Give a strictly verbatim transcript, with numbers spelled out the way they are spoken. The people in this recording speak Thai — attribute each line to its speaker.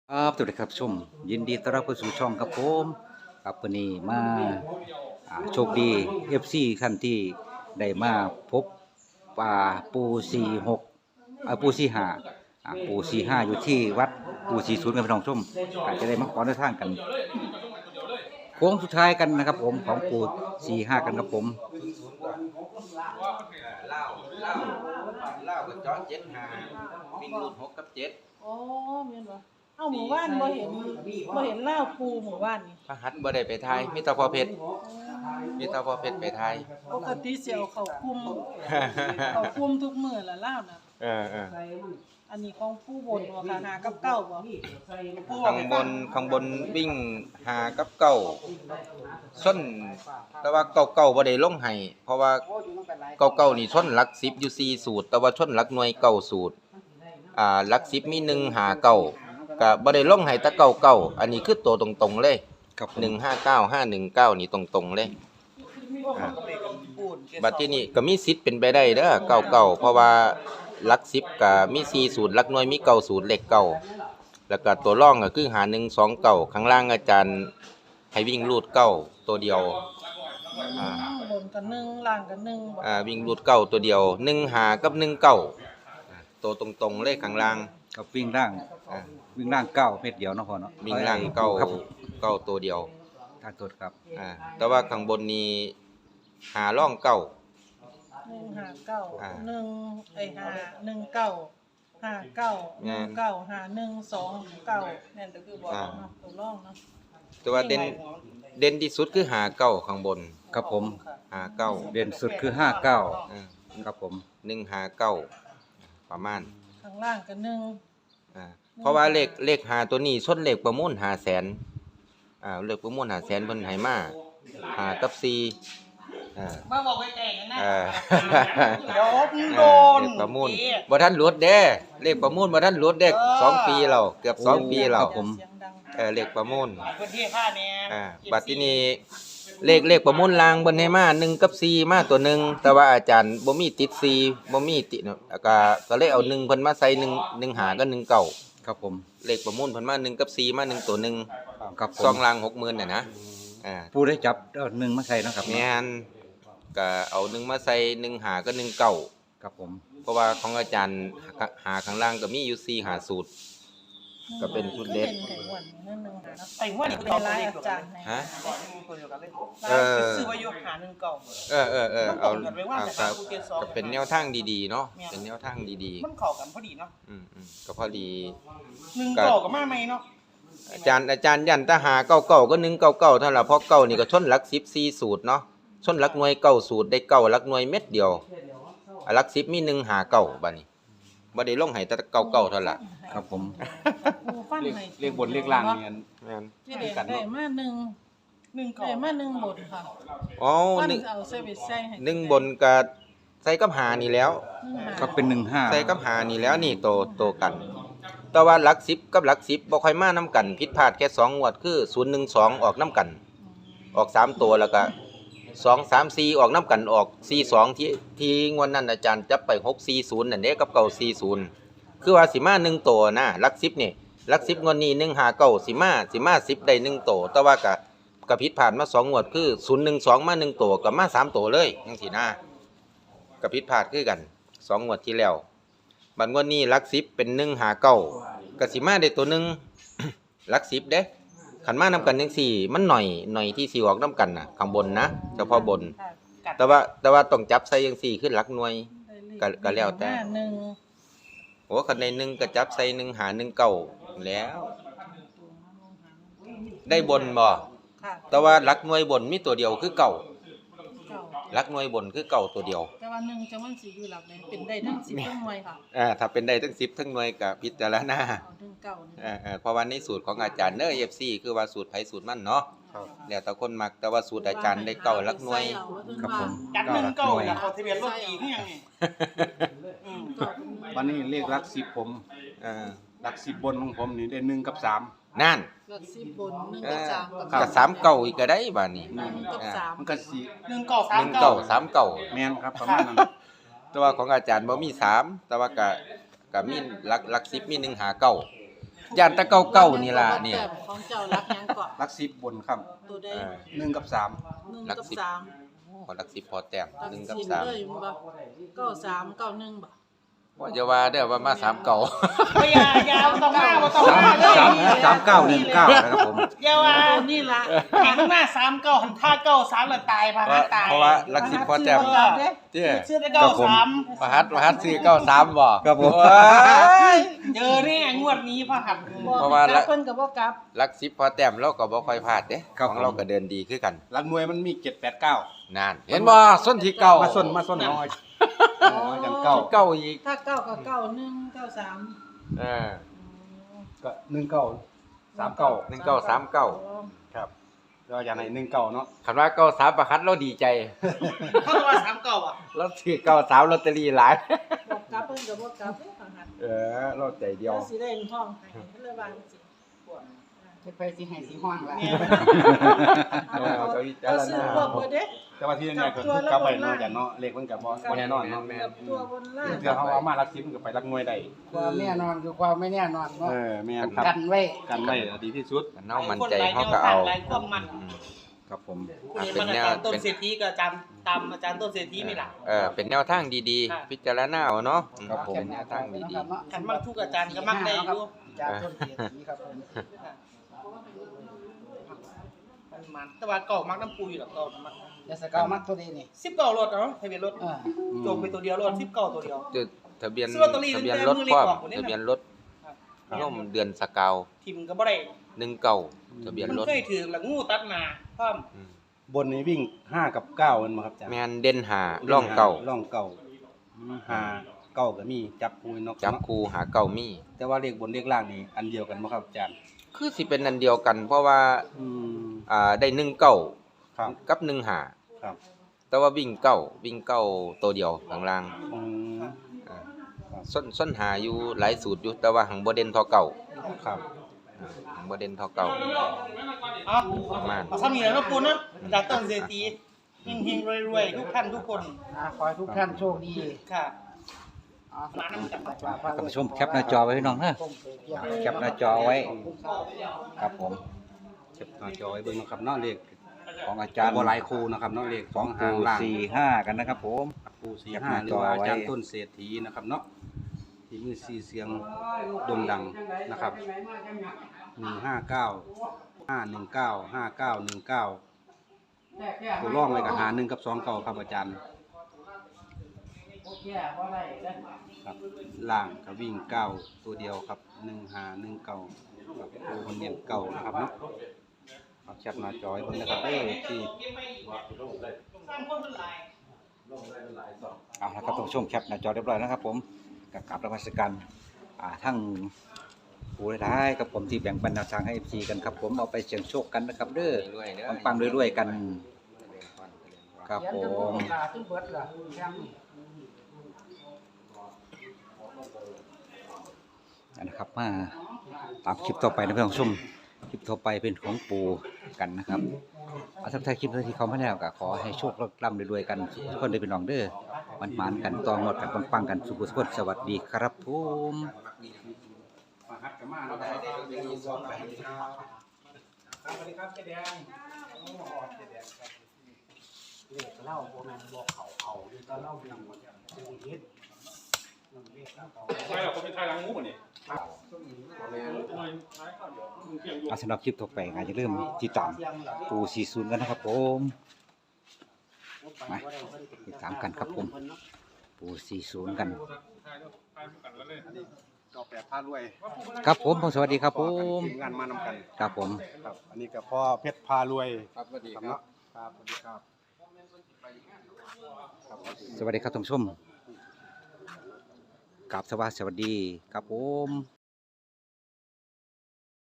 Speaker 1: ครับสวัสดีครับชมยินดีต้อนรับเข้าสู่ช่องครับผมครับวันนี้มาอ่าโชคดี เอฟ ซี ท่านที่ได้มาพบป่าปูสี่หกอ่าปูสี่ห้าอ่าปูสี่ห้าอยู่ที่วัดปูสี่ศูนย์กันพี่น้องชมอาจจะได้มาขอในทางกันโค้งสุดท้ายกันนะครับผมของปูสี่ห้ากันครับผม
Speaker 2: เล่าเล่าเล่ากับจอเจ็ดหาวิ่งรูดหกกับเจ็ด
Speaker 3: อ๋อแม่นบ่เอ้าหมู่บ้านบ่เห็นบ่เห็นลาวภูหมู่บ้านนี่
Speaker 2: พระหัตถ์บ่ได้ไปไทยมีแตาพอเพชรมีแตาพอเพชรไปไทย
Speaker 3: ปกติสิเอาเข้าคุมเข้าคุมทุกมื้อละลาวน่ะ
Speaker 2: เออเออ
Speaker 3: อันนี้ของผู้บนบ่ค่ะหากับเก้าบ่
Speaker 2: ข้างบนข้างบนวิ่งหากับเก้าส้นแต่ว่าเก้าเก้าบ่ได้ลงให้เพราะว่าเก้าเก้านี่ชนหลักสิบอยู่สี่สูตรแต่ว่าชนหลักหน่วยเก้าสูตรอ่าหลักสิบมีหนึ่งหาเก้าก็บ่ได้ลงให้แต่เก้าเก้าอันนี้คือตัวตรงๆเลย
Speaker 1: ครับผม
Speaker 2: หนึ่งห้าเก้า ห้าหนึ่งเก้านี่ตรงๆเลยอ่าบัดที่นี่ก็มีสิทธิ์เป็นไปได้เด้อเก้าเก้าเพราะว่าหลักสิบก็มีสี่สูตรหลักหน่วยมีเก้าสูตรเลขเก้าแล้วก็ตัวร่องก็คือหาหนึ่ง สองเก้าข้างล่างอาจารย์ให้วิ่งรูดเก้าตัวเดียวอ่า
Speaker 3: บนกับหนึ่งล่างกับหนึ่งบ่
Speaker 2: อ่าวิ่งรูดเก้าตัวเดียวหนึ่งหากับหนึ่งเก้าอ่าตัวตรงๆเลยข้างล่าง
Speaker 1: กับวิ่งร่าง
Speaker 2: อ่า
Speaker 1: วิ่งร่างเก้าเม็ดเดียวเนาะพ่อเนาะ
Speaker 2: วิ่งล่างเก้า
Speaker 1: ครับ
Speaker 2: เก้าตัวเดียว
Speaker 1: ทางตัวครับ
Speaker 2: อ่าแต่ว่าข้างบนนี้หาร่องเก้า
Speaker 3: หนึ่งห้าเก้า
Speaker 2: อ่า
Speaker 3: หนึ่งไอ้ห้าหนึ่งเก้าห้าเก้าหนึ่งเก้าห้าหนึ่งสองเก้าแม่นก็คือบ่เนาะตัวรองเนาะ
Speaker 2: แต่ว่าเด่นเด่นที่สุดคือหาเก้าข้างบน
Speaker 1: ครับผม
Speaker 2: หาเก้า
Speaker 1: เด่นสุดคือห้าเก้า
Speaker 2: อ่า
Speaker 1: ครับผม
Speaker 2: หนึ่งหาเก้าประมาณ
Speaker 3: ข้างล่างกับหนึ่ง
Speaker 2: อ่าเพราะว่าเลขเลขหาตัวนี้ชนเลขประมูลหาแสนอ่าเลขประมูลหาแสนเพิ่นให้มาหากับสี่อ่า
Speaker 3: มาบอกไกลๆนะ
Speaker 2: อ่า
Speaker 3: เดี๋ยวมึงโดน
Speaker 2: เลขประมูลบ่ทันหลุดเด้เลขประมูลบ่ทันหลุดเด้สองปีแล้วเกือบสองปีแล้ว
Speaker 1: ผม
Speaker 3: เสียงดัง
Speaker 2: เออเลขประมูล
Speaker 3: พื้นที่ค่าแน่
Speaker 2: อ่าบัดทีนี้เลขเลขประมูลลางเพิ่นให้มาหนึ่งกับสี่มาตัวหนึงแต่ว่าอาจารย์บ่มีติดสี่บ่มีติดเนาะก็ก็เลยเอาหนึ่งเพิ่นมาใส่หนึ่ง หนึ่งหากับหนึ่งเก้า
Speaker 1: ครับผม
Speaker 2: เลขประมูลเพิ่นมาหนึ่งกับสี่มาหนึ่งตัวหนึง
Speaker 1: ครับผ
Speaker 2: ซอ
Speaker 1: ม
Speaker 2: งลางหกหมื่นน่ะนะอ่า
Speaker 1: ผู้ได้จับเอาหนึ่งมาใส่เนาะครับ
Speaker 2: แม่นก็เอาหนึ่งมาใส่หนึ่งหากับหนึ่งเก้า
Speaker 1: ครับผม
Speaker 2: เพราะว่าของอาจารย์หาข้างล่างก็มีอยู่สี่หาสูตร ก็เป็นชุดเด็ด
Speaker 3: ไอ้วันนึงนึงหานะ
Speaker 4: ไอ้ว่านี่
Speaker 3: เป็นรายอาจารย์ให้
Speaker 2: ฮะ
Speaker 4: ตัวเดียวกันเลย
Speaker 2: เออ
Speaker 4: ซื้อไว้อยู่หาหนึ่งเก่า
Speaker 2: เออเออเออเอา
Speaker 4: มันตรงกันไว้ว่า
Speaker 2: เอา
Speaker 4: แต่
Speaker 2: ก็
Speaker 4: ว่ากูเรียนสอง
Speaker 2: ก็เป็นแนวทางดีๆเนาะเป็นแนวทางดี
Speaker 4: มันเข้ากันพอดีเนาะ
Speaker 2: ๆอืมอืมก็พอดี
Speaker 4: หนึ่งเก่ากับมาไหมเนาะ
Speaker 2: อาจารย์อาจารย์ยันตาหาเก้าเก้าก็หนึ่งเก้าเก้าเท่านั้นล่ะเพราะเก้านี่ก็ชนหลักสิบสี่สูตรเนาะชนหลักหน่วยเก้าสูตรได้เก้าหลักหน่วยเม็ดเดียวอ่ะหลักสิบมีหนึ่งหาเก้าบัดนี้บ่ได้ลงให้แต่เก้าเก้าเท่านั้นล่ะ
Speaker 1: ครับผม
Speaker 3: ผู้ฟันให้
Speaker 1: เรียกบนเรียกล่างเนี่ย
Speaker 2: แม่น
Speaker 3: ที่เด็กได้มาหนึ่ง
Speaker 4: หนึ่งเก่า
Speaker 3: ได้มาหนึ่งบทค่ะ
Speaker 2: อ๋อ
Speaker 3: ฟัน
Speaker 2: หนึ่ง
Speaker 3: เอาเซเว่นใส่ให้
Speaker 2: หนึ่งบนก็ใส่กับหานี่แล้ว
Speaker 3: หนึ่งหา
Speaker 1: ก็เป็นหนึ่งห้า
Speaker 2: ใส่กับหานี่แล้วนี่โตโตกัน แต่ว่าหลักสิบกับหลักสิบบ่ค่อยมานํกันผิดพลาดแค่สองงวดคือศูนย์ หนึ่ง สองออกนํกัน ออกสามตัวแล้วก็สอง สาม สี่ออกน้ำกันออกสี่ สองที่ที่งวดนั้นอาจารย์จับไปหก สี่ ศูนย์นั่นเด้กับเก้า สี่ ศูนย์คือว่าสิมาหนึ่งตัวนะหลักสิบนี่หลักสิบงวดนี้หนึ่งหาเก้าสิมาสิมาสิบได้หนึ่งตัวแต่ว่าก็ก็ผิดผ่านมาสองงวดคือศูนย์ หนึ่ง สองมาหนึ่งตัวก็มาสามตัวเลยจังซี่นะก็ผิดพลาดคือกันสองงวดที่แล้วบัดงวดนี้หลักสิบเป็นหนึ่งหาเก้าก็สิมาได้ตัวหนึง หลักสิบเด้ขันมานำกันจังซี่มันหน่อยหน่อยที่สิออกนํกันน่ะข้างบนนะเฉพาะบน
Speaker 3: ค่ะ
Speaker 2: แต่ว่าแต่ว่าต้องจับใส่จังซี่ขึ้นหลักหน่วย
Speaker 3: ได้เลข
Speaker 2: ก็ก็แล้วแต่
Speaker 3: ห้าหนึ่ง
Speaker 2: โอ้คันในหนึ่งก็จับใส่หนึ่งหาหนึ่งเก้าแล้ว ได้บนบ่
Speaker 3: ค่ะ
Speaker 2: แต่ว่าหลักหน่วยบนมีตัวเดียวคือเก่า
Speaker 3: เก้า
Speaker 2: หลักหน่วยบนคือเก่าตัวเดียว
Speaker 3: แต่ว่าหนึ่งจังมันสิอยู่หลักใดเป็นได้ทั้งสิบทั้งหน่วยค่ะ
Speaker 2: อ่าถ้าเป็นได้ทั้งสิบทั้งหน่วยก็พิจารณา
Speaker 3: เอาถึงเก้านี่
Speaker 2: อ่าอ่าเพราะว่าในสูตรของอาจารย์เด้อ เอฟ ซี คือว่าสูตรไผสูตรมันเนาะแล้วแต่คนมักแต่ว่าสูตรอาจารย์ได้เก่าหลักหน่วย
Speaker 1: ครับผม
Speaker 4: จัดหนึ่งเก่าแล้วเขาทะเบียนรถตีที่ยังไงอืม
Speaker 5: วันนี้เลขหลักสิบผม
Speaker 2: อ่า
Speaker 5: หลักสิบบนของผมนี่ได้หนึ่งกับสาม
Speaker 2: นั่น
Speaker 3: หลักสิบบนหนึ่ง
Speaker 2: เอ
Speaker 3: กับ
Speaker 2: อ
Speaker 3: สามกับ
Speaker 2: ก็สามเก่าอีกก็ได้บัดนี้
Speaker 3: หนึ่งกับสาม
Speaker 5: มันก็สี่
Speaker 4: หนึ่งเก่าสา
Speaker 2: ห
Speaker 4: ม
Speaker 2: นึ่ง
Speaker 4: เก่า
Speaker 2: เก่าสามเก่า
Speaker 5: แมนครับประมาณนั้น
Speaker 2: แต่ว่าของอาจารย์บ่มีสามแต่ว่าก็ก็มีหลักหลักสิบมีหนึ่งหาเก้าย่านแตะเก่าเก่านี่ล่ะเนี่ย
Speaker 3: ของเจ้ารักหยังเกาะ
Speaker 5: รักสิบบนครับ
Speaker 3: ตัวใด
Speaker 2: เออ
Speaker 5: หนึ่งกับสาม
Speaker 3: หนึ่ง
Speaker 2: รัก
Speaker 3: กับ
Speaker 2: สิบ
Speaker 3: สาม
Speaker 2: ขอหลักสิบพอแต้ม
Speaker 3: รัก
Speaker 2: หนึ่งกับ
Speaker 3: สิบ
Speaker 2: สาม
Speaker 3: เลยบ่เก้าสามเก้าหนึ่งบ่
Speaker 2: ว่าจะว่าเด้อว่ามาสามเก่า
Speaker 3: บ่อย่าอย่าบ่ต้องมาบ่ต้อง
Speaker 1: สาม
Speaker 3: มาเลย
Speaker 1: สามสามเก้าหนึ่งเก้านะครับผม
Speaker 3: อย่าว่านี่ล่ะหันหน้าสามเก้าหันท่าเก้าสามแล้วตายพา
Speaker 2: เพราะ
Speaker 3: ตาย
Speaker 2: เพราะว่าหลักสิบพอแต้ม เจ้
Speaker 3: ชื่อได้เก้าสาม
Speaker 2: มหัดมหัดซื้อเก้าสามบ่
Speaker 1: ครับผม
Speaker 2: โอ้ย
Speaker 3: เจอแน่งวดนี้พระหัตถ์
Speaker 2: เพราะว่าละ
Speaker 3: เพิ่นก็บ่กลับ
Speaker 2: หลักสิบพอแต้มเราก็บ่ค่อยพลาดเด้
Speaker 1: ครับ
Speaker 2: ของ
Speaker 1: ผม
Speaker 2: เราก็เดินดีคือกัน
Speaker 5: รักหน่วยมันมีเจ็ดแปดเก้าน
Speaker 2: านเห็นบ่ส้นที่เก่า
Speaker 5: มาส้นมาส้นน้อยอย่างเก้า
Speaker 2: เก่าอีก
Speaker 3: ถ้าเก้าก็เก้าหนึ่งเก้าสาม
Speaker 2: เออ
Speaker 5: ก็หนึ่งเก้าสามเก้า
Speaker 2: หนึ่งเก้าสามเก้า
Speaker 5: ครับเราอย่างไหนหนึ่งเก้าเนาะ
Speaker 2: คันว่าเก้าสามประคัดเราดีใจ
Speaker 3: เขาว่าสามเก้าอ่ะ
Speaker 2: เราซื้อเก้าสามลอตเตอรี่หลาย
Speaker 3: บอกกลับเพิ่นก็บ่กลับเด้อพระหัตถ์
Speaker 2: เออเราใจเดียว
Speaker 3: แล้วสิได้ห้องให้เพิ่นเลยว่าจังซี่
Speaker 6: จะไปสิให้สิห้องละ
Speaker 3: เนี่ย
Speaker 2: เออก็วิจาร
Speaker 3: เรา
Speaker 2: ณ
Speaker 3: ซื้อพวกเบิดเด้
Speaker 5: แต่ว่าที่เนี่ยก็คือกลับไปเนาะอย่างเนาะเลขมันกับบ่บ่แน่นอนเนาะ
Speaker 2: แม่
Speaker 3: กับตัวบนล่าง
Speaker 5: เดี๋ยวเขาเอามารักสิบมันก็ไปรักหน่วยได้
Speaker 6: ความแน่นอนคือความไม่แน่นอนเนาะ
Speaker 5: เออแม่นครับ
Speaker 6: กันไว้
Speaker 5: กันไว้ดีที่สุด
Speaker 2: มันเน่ามันใจเขาก็เอา
Speaker 3: หลายความมัน
Speaker 2: อืม
Speaker 1: ครับผม
Speaker 2: อ่ะ
Speaker 3: นี่
Speaker 2: เป็
Speaker 3: มัน น
Speaker 2: แน
Speaker 3: อาว จารย์ต้น
Speaker 2: เป็น
Speaker 3: เศรษฐีกับอาจารย์ตามอาจารย์ต้นเศรษฐีนี่ล่ะ
Speaker 2: เออเป็นแนวทางดี
Speaker 3: ค่ะ
Speaker 2: ๆ พิจารณาเอาเนาะ
Speaker 1: ครับผม
Speaker 2: เป็นแนวทางดี
Speaker 3: ขันมักทุกอาจารย์ก็มักได้อยู่
Speaker 6: จากต้นเสียสีครับผม
Speaker 3: มันมันแต่ว่าเก่ามักน้ำปูอยู่หรอกเก่ามัก
Speaker 6: ยาสกาวมักตัวนี้นี่
Speaker 3: สิบเก้ารถเนาะทะเบียนรถ
Speaker 6: เออ
Speaker 3: โจมไปตัวเดียวรถสิบเก้าตัวเดียว
Speaker 2: ๆจุดทะเบียน
Speaker 3: ซื้อลอตเตอรี่
Speaker 2: ทะเบียน
Speaker 3: ตั้ง
Speaker 2: ร
Speaker 3: แต่
Speaker 2: ถ
Speaker 3: มือเล็
Speaker 2: พ
Speaker 3: ก
Speaker 2: ร้อม
Speaker 3: ออกหมดเลยนะ
Speaker 2: ทะเบียนรถร่มเดือนสกาว
Speaker 3: ทิมก็บ่ได้
Speaker 2: หนึ่งเก่าทะเบียน
Speaker 3: มัน
Speaker 2: รถ
Speaker 3: เคยถือละงูตัดหน้าพร้อม
Speaker 2: อืม
Speaker 5: บนนี้วิ่งห้ากับเก้ามันมาครับอาจารย์
Speaker 2: แมนเด่นหาร่องเก่า
Speaker 5: ร่องเก่าห้าเก้าก็มีจับคูนก
Speaker 2: จับคูหาเก่ามี
Speaker 5: แต่ว่าเลขบนเลขล่างนี่อันเดียวกันบ่ครับอาจารย์
Speaker 2: คือสิเป็นอันเดียวกัน เพราะว่า
Speaker 5: อืม
Speaker 2: อ่าได้หนึ่งเก่า
Speaker 5: ครับ
Speaker 2: กับหนึ่งหา
Speaker 5: ครับ
Speaker 2: แต่ว่าวิ่งเก่าวิ่งเก่าตัวเดียวข้างล่าง
Speaker 5: อืม
Speaker 2: อ่า
Speaker 5: ครับ
Speaker 2: ส้นส้นหาอยู่หลายสูตรอยู่แต่ว่าหังบ่เด่นเท่าเก่า
Speaker 5: ครับ
Speaker 2: อ่าหังบ่เด่นเท่าเก่า
Speaker 3: เอ๋อ
Speaker 2: ประมาณ
Speaker 3: เอาซ้ำนี่แหล้วปูนะอาจารย์ต้นเศรษฐีเฮงๆรวยๆทุกท่านทุกคน
Speaker 6: อ่าขอให้ทุกท่านโชคดี
Speaker 3: ค่ะ
Speaker 6: อ๋อ
Speaker 3: มาน้ำจับ
Speaker 1: ท่านผู้ชมแคปหน้าจอไว้พี่น้องนะแคปหน้าจอไว้ ครับผม
Speaker 5: เก็บหน้าจอไว้เบิ่งนะครับเนาะเลข
Speaker 1: ของอาจารย์
Speaker 5: บ่หลายคู่นะครับเนาะเลข
Speaker 1: ข
Speaker 5: ส
Speaker 1: อ
Speaker 5: อง ง
Speaker 1: ปู
Speaker 5: หางล่าง
Speaker 1: สี่ห้ากันนะครับผม
Speaker 5: ปูสี่
Speaker 1: แคป
Speaker 5: ห้า
Speaker 1: หน้า
Speaker 5: หรื
Speaker 1: จ
Speaker 5: อ
Speaker 1: อ
Speaker 5: ว่า
Speaker 1: ไว้
Speaker 5: อาจารย์ต้นเศรษฐีนะครับเนาะที่มือซีเสียงโด่งดังนะครับหนึ่งห้าเก้าห้าหนึ่งเก้าห้าเก้าหนึ่งเก้าตัวร่องไว้กับหาหนึ่งกับสองเก้าครับอาจารย์ครับล่างกับวิ่งเก้าตัวเดียวครับหนึ่งหาหนึ่งเก้าครับตัวคนเนียนเก้านะครับเนาะเอาแคปหน้าจอยเพิ่นนะครับเอ้ยที่
Speaker 1: เอาละครับท่านผู้ชมแคปหน้าจอเรียบร้อยนะครับผมกับกราบนมัสการอ่าทั้งผู้ได้ายกับผมที่แบ่งปันแนวทางให้ เอฟ ซี กันครับผมเอาไปเสี่ยงโชคกันนะครับเด้อ
Speaker 2: รวยๆเด้อ
Speaker 1: ปังๆรวยๆกันครับผ
Speaker 6: เขียนจน
Speaker 1: ม
Speaker 6: ลูกหลานจนเบิดล่ะแช่ง
Speaker 1: นะครับมาตามคลิปต่อไปนะเพื่อนผู้ชมคลิปต่อไปเป็นของปูกันนะครับเอาทักทายคลิปที่เขาไม่แล้วก็ขอให้โชคร่ำรวยๆกันทุกคนได้เป็นน้องเด้อมันหมานๆกันต่อหมดกันปังๆกันสุขสุขสวัสดีครับผม
Speaker 5: มาฮัดกันมาเนาะครับสวัสดีครับเจ๊แดง
Speaker 6: เลขเล่าบ่แม่นบอกเขาเอาอยู่ตอนเล่าอยู่จังเฮ็ด
Speaker 4: ใช่หรอคนเป็นไทยล้างงูนี่
Speaker 1: เอาสำหรับคลิปต่อไปก็จะเริ่าลืมติดตามปูสี่ศูนย์กันนะครับผมมาติดตามกันครับผมปูสี่ศูนย์กัน
Speaker 5: ก็แปดพารวย
Speaker 1: ครับผมสวัสดีครับผม
Speaker 5: ทีมงานมานำกัน
Speaker 1: ครับผม
Speaker 5: ครับ อันนี้ก็พ่อเพชรพารวย
Speaker 2: ครับสวัสดี
Speaker 5: ครับ
Speaker 2: ครับ
Speaker 5: เนาะครับสวัสดีครับครับ
Speaker 1: สวัสดีครับท่านผู้ชมกราบสวัสดีครับผม